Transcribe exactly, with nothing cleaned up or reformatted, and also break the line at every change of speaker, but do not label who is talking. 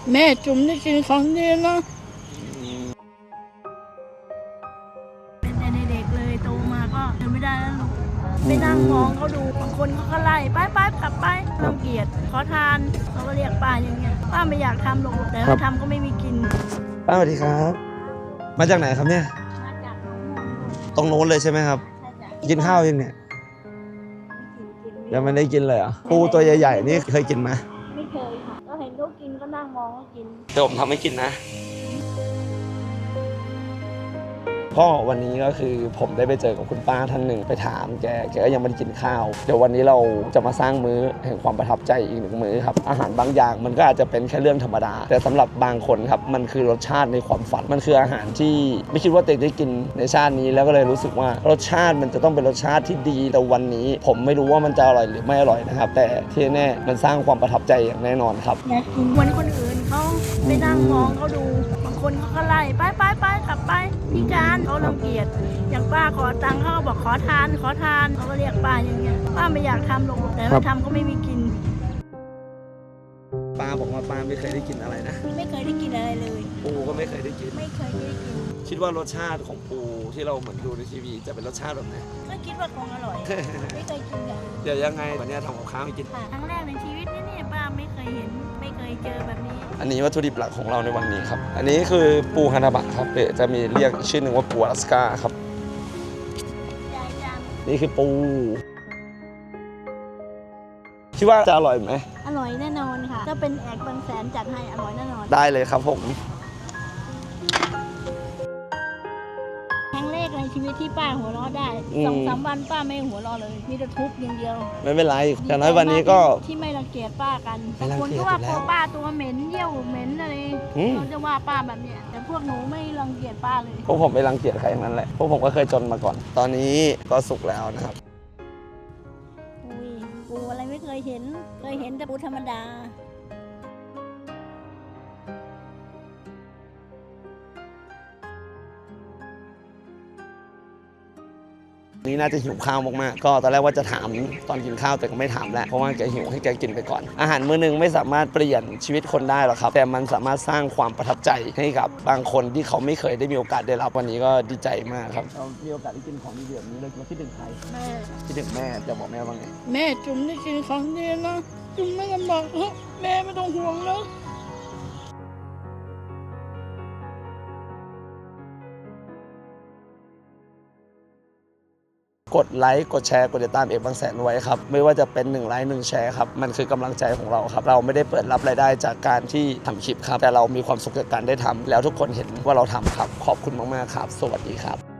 แม่จุ๋มได้กินครั้งเดียวนะ
เป็นแต่เด็กเลยโตมาก็เดินไม่ได้แล้วลูกไปนั่งมองเขาดูบางคนเขาก็ไล่ไปไปกลับไปรังเกียจขอทานเขาก็เรียกป้าอย่างเงี้ยป้าไม่อยากทำหรอกแต่ถ้าทำก็ไม่มีกิน
ป้าสวัสดีครับมาจากไหนครับเนี่ย
มาจากหนองม่วง
ตรงโน้นเลยใช่ไหมครับกินข้าวยังเนี่ยยังไม่ได้กินเลยอ่ะปูตัวใหญ่ๆนี่เคยกินไหม
ไม่เคยค่ะก็เห็นเขากินก็นั่งมองเขากิน
เดี๋ยวผมทำให้กินนะก็วันนี้ก็คือผมได้ไปเจอกับคุณป้าท่านหนึ่งไปถามแกแกก็ยังไม่ได้กินข้าวเดี๋ยววันนี้เราจะมาสร้างมื้อแห่งความประทับใจอีกหนึ่งมื้อครับอาหารบางอย่างมันก็อาจจะเป็นแค่เรื่องธรรมดาแต่สำหรับบางคนครับมันคือรสชาติในความฝันมันคืออาหารที่ไม่คิดว่าตัวเองได้กินในชาตินี้แล้วก็เลยรู้สึกว่ารสชาติมันจะต้องเป็นรสชาติที่ดีแต่วันนี้ผมไม่รู้ว่ามันจะอร่อยหรือไม่อร่อยนะครับแต่ที่แน่มันสร้างความประทับใจอย่างแน่นอนครับ
อยากกินเหมือนคนอื่นเขาไปนั่งมองเขาดูบางคนเขาก็ไล่ไปไปไปกลับไปพิการเขารังเกียจอย่างป้าขอตังค์เขาก็บอกขอทานขอทานเขาก็เรียกป้าอย่างเงี้ยป้าไม่อยากทำหรอกแต่ถ้าทำก็ไม่มีกิน
ป้าบอกว่าป้าไม่เคยได้กินอะไรนะ
ไม่เคยได้กินอะไรเลย
ปูก็ไม่เคยได้กิน
ไม่เคยได้กิน
คิดว่ารสชาติของปูที่เราเหมือนดูในทีวีจะเป็นรสชาติแบบไหน
ก็คิดว่าคงอร่อยไม่เคยกินเลย
เดี๋ยวยังไงวันนี้ทำกับข้าวให้กิน
ครั้งแรกในชีวิตนี่เนี่ยป้าไม่เคยเห็นไม่เคยเจอแบบนี้
อันนี้วัตถุดิบหลักของเราในวันนี้ครับอันนี้คือปูฮานาบะครับเดี๋ยวจะมีเรียกชื่อหนึ่งว่าปูอลาสก้าครับนี่คือปูคิดว่าจะอร่อยไหม
อร่อยแน่นอนค่ะถ้าเป็นแอกบางแสนจัดให้อร่อยแน่นอน
ได้เลยครับผม
ครั้งแรกในชีวิตที่ป้าหัวเราะได้สองสามวันป้าไม่หัวเราะเลยมีแต่ทุบอย่างเดียว
ไม่เป็นไรอย่างน้อยวันนี้ก็
ที่ไม่รังเกียจป้ากันคนก็ว่าพอป้าตัวเหม็นเยี่ยวเหม็นอะไรเขาจะว่าป้าแบบเนี้ยแต่พวกหนูไม่รังเกียจป้าเลย
พวกผมไม่รังเกียจใครอย่างนั้นแหละพวกผมก็เคยจนมาก่อนตอนนี้ก็สุกแล้วนะครับ
อุ้ยปูอะไรไม่เคยเห็นเคยเห็นแต่ปูธรรมดา
นี่น่าจะหิวข้าวมากๆก็ตอนแรกว่าจะถามตอนกินข้าวแต่ก็ไม่ถามแล้วเพราะว่าแกหิวให้แกกินไปก่อนอาหารมื้อนึงไม่สามารถเปลี่ยนชีวิตคนได้หรอกครับแต่มันสามารถสร้างความประทับใจให้กับบางคนที่เขาไม่เคยได้มีโอกาสได้รับวันนี้ก็ดีใจมากครับเรามีโอกาสได้กินของดีแบบนี้เลยคิดถึงใคร
แม่
คิดถึงแม่จะบอกแม่ว่าไง
แม่จุ๋มได้กินครั้งเดียวนะจุ๋มไม่ลำบากแม่ไม่ต้องห่วงนะ
กดไลค์กดแชร์กดติดตามเอกบางแสนไว้ครับไม่ว่าจะเป็นหนึ่งไลค์หนึ่งแชร์ครับมันคือกำลังใจของเราครับเราไม่ได้เปิดรับรายได้จากการที่ทำคลิปครับแต่เรามีความสุขจากการได้ทำแล้วทุกคนเห็นว่าเราทำครับขอบคุณมากๆครับสวัสดีครับ